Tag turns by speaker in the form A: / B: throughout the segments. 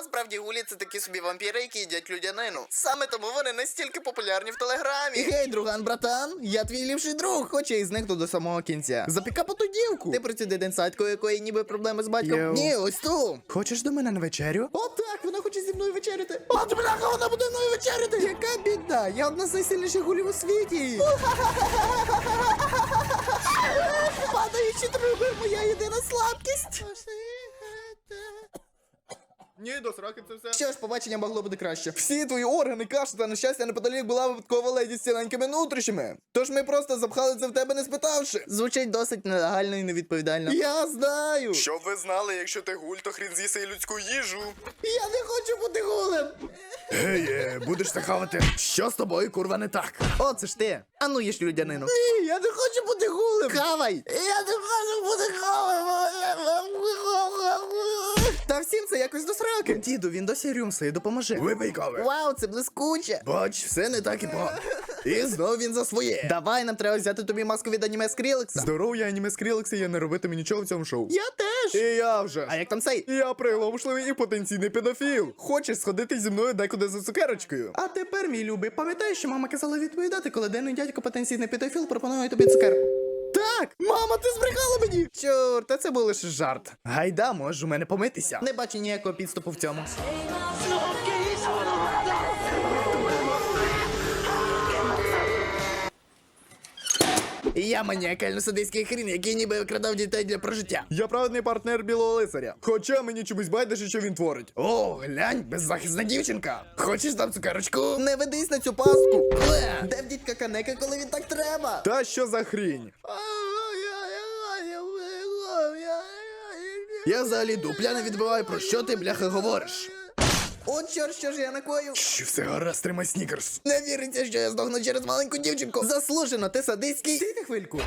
A: Насправді гулі це такі собі вампіри, які їдять людянину. Саме тому вони настільки популярні в Телеграмі. Гей, друган, братан, я твій ліпший друг, хоч я і зникну до самого кінця. Запікапа ту дівку. Ти про цю деденсадьку, якої ніби проблеми з батьком?
B: Йоу.
A: Ні, ось ту.
B: Хочеш до мене на вечерю?
A: О, так, вона хоче зі мною вечеряти. От, бляха, вона буде мною вечеряти. Яка біда, я одна з найсильніших гулів у світі. Падаючі труби, моя єдина слабкість.
B: Ні, до сраки це все.
A: Що ж, побачення могло бути краще.
B: Всі твої органи, каша та нещастя неподалік була випадкова леді з ціленькими нутрищами. Тож ми просто запхали це в тебе не спитавши.
A: Звучить досить нелегально і невідповідально.
B: Я знаю. Щоб ви знали, якщо ти гуль, то хрін з'їси і людську їжу.
A: Я не хочу бути гулем.
B: Гей, будеш це хавати. Що з тобою, курва, не так?
A: О, це ж ти. А ну їж людянину.
B: Ні, я не хочу бути гулем.
A: Хавай.
B: Я не хочу бути гулем.
A: Та всім це якось до сраки.
B: Діду, він досі рюмсає, допоможи. Випий кави.
A: Вау, це блискуче.
B: Бач, все не так і погано. І знов він за своє.
A: Давай, нам треба взяти тобі маску від аніме Скрілекса.
B: Здоров'я, аніме Скрілекси, я не робитиму нічого в цьому шоу.
A: Я теж.
B: І я вже.
A: А як там цей?
B: Я приголомшливий і потенційний педофіл. Хочеш сходити зі мною декуди за цукерочкою?
A: А тепер, мій любий, пам'ятаєш, що мама казала відповідати, коли денний дядько потенційний педофіл пропонує тобі цукерку?
B: Так! Мама, ти збрехала мені!
A: Чорт, та це був лише жарт.
B: Гайда, можеш у мене помитися.
A: Не бачу ніякого підступу в цьому.
B: Я маніакально-садистський хрін, який ніби викрадав дітей для прожиття. Я праведний партнер білого лицаря. Хоча мені чомусь байдуже, що він творить. О, глянь, беззахисна дівчинка. Хочеш там цукерочку?
A: Не ведись на цю пастку. Де в дідька Канеки, коли він так треба?
B: Та що за хрінь? Я взагалі дупля не відбиваю, про що ти, бляха, говориш.
A: От чорт, що ж я накою?
B: Що все гаразд, тримай снікерс.
A: Не віриться, що я здохну через маленьку дівчинку. Заслужено, ти садистський. Стійте хвильку.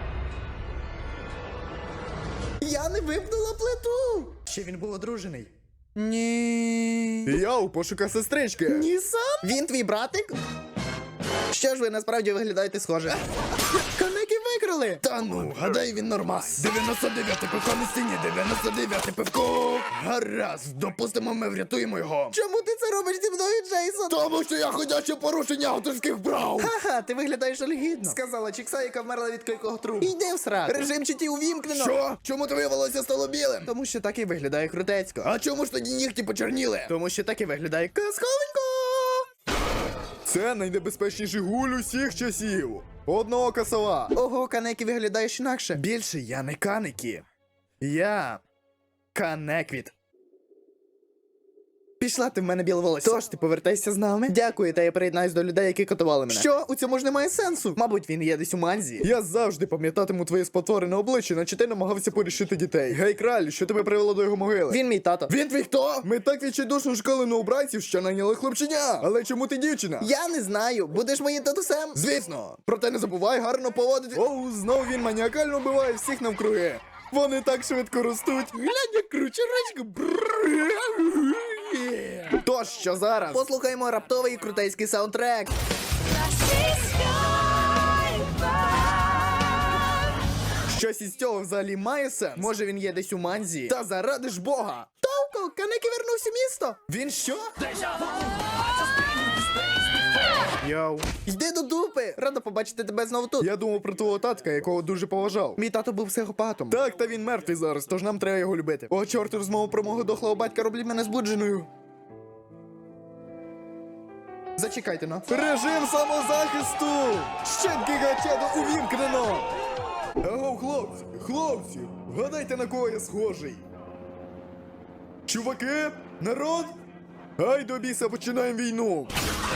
A: Я не випнула плиту.
B: Ще він був одружений.
A: Ні.
B: Я у пошуках сестрички.
A: Ні сам? Він твій братик? Що ж ви насправді виглядаєте схоже? Канеки викрали!
B: Та ну, гадаю, він нормас. 99-й пивко на стіні, 99-й пивко. Гаразд, допустимо, ми врятуємо його.
A: Чому ти це робиш зі мною, Джейсон?
B: Тому що я ходяче порушення авторських прав.
A: Ха-ха, ти виглядаєш олігідно. Сказала Чікса, яка вмерла від кількох труб. Іди в срак. Режим читі увімкнено.
B: Що? Чому твоє волосся стало білим?
A: Тому що так і виглядає крутецько.
B: А чому ж тоді нігті почерніли?
A: Тому що так і виглядає казковенько.
B: Це найнебезпечніший гуль усіх часів. Одноока сова.
A: Ого, Канекі виглядаєш інакше.
B: Більше я не канекі. Я канеквіт.
A: Пішла ти в мене біле волосся. Тож ти повертайся з нами. Дякую, та я приєднаюсь до людей, які катували мене. Що? У цьому ж немає сенсу. Мабуть, він є десь у манзі.
B: Я завжди пам'ятатиму твоє спотворене обличчя, наче ти намагався порішити дітей. Гей, краль, що тебе привело до його могили?
A: Він мій тато.
B: Він твій хто? Ми так відчайдушно шукали новобранців, що найняли хлопченя. Але чому ти дівчина?
A: Я не знаю. Будеш моїм татусем?
B: Звісно. Проте не забувай гарно поводити. Оу, знов він маніакально вбиває всіх навкруги. Вони так швидко ростуть. Глянь, як кручеречка. Тож, що зараз?
A: Послухаймо раптовий і крутейський саундтрек.
B: Щось із цього взагалі має сенс?
A: Може, він є десь у манзі?
B: Та заради ж Бога!
A: Товко, Канекі вернувся в місто.
B: Він що? Йоу.
A: Йди до дупи. Рада побачити тебе знову тут.
B: Я думав про твого татка, якого дуже поважав.
A: Мій тато був психопатом.
B: Так, та він мертвий зараз, тож нам треба його любити. О, чорт, розмову про мого дохлого батька роблять мене збудженою.
A: Зачекайте, ну.
B: Режим самозахисту! Щепки гачеду увімкнено! Аго, хлопці, вгадайте, на кого я схожий. Чуваки, народ, ай до біса, починаємо війну.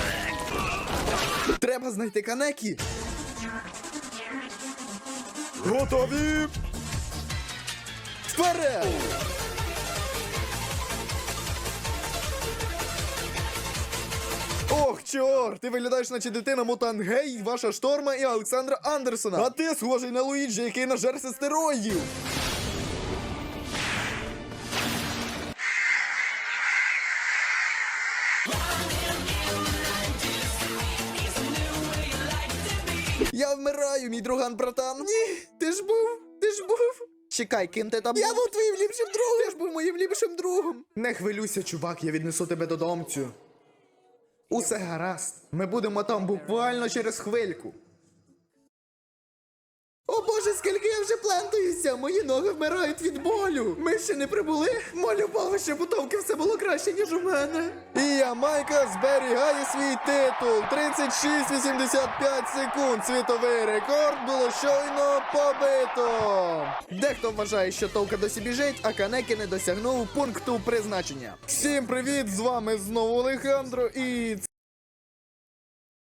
A: Треба знайти Канекі.
B: Готові? Вперед! Ох, чорт, ти виглядаєш, наче дитина мутант Гей, ваша Шторма і Олександра Андерсона. А ти схожий на Луїджі, який нажерся стероїдів.
A: Я вмираю, мій друган, братан. Ні, ти ж був. Чекай, ким ти там?
B: Я був твоїм ліпшим другом.
A: Ти ж був моїм
B: найліпшим другом. Не хвилюйся, чувак, я віднесу тебе додомцю. Усе гаразд. Ми будемо там буквально через хвильку. О боже, скільки я вже плентаюся! Мої ноги вмирають від болю! Ми ще не прибули? Молю Бога, щоб у Томки все було краще, ніж у мене. І я, Майка, зберігаю свій титул. 36,85 секунд. Світовий рекорд було щойно побито. Дехто вважає, що Товка досі біжить, а Канекі не досягнув пункту призначення. Всім привіт, з вами знову Олександро і...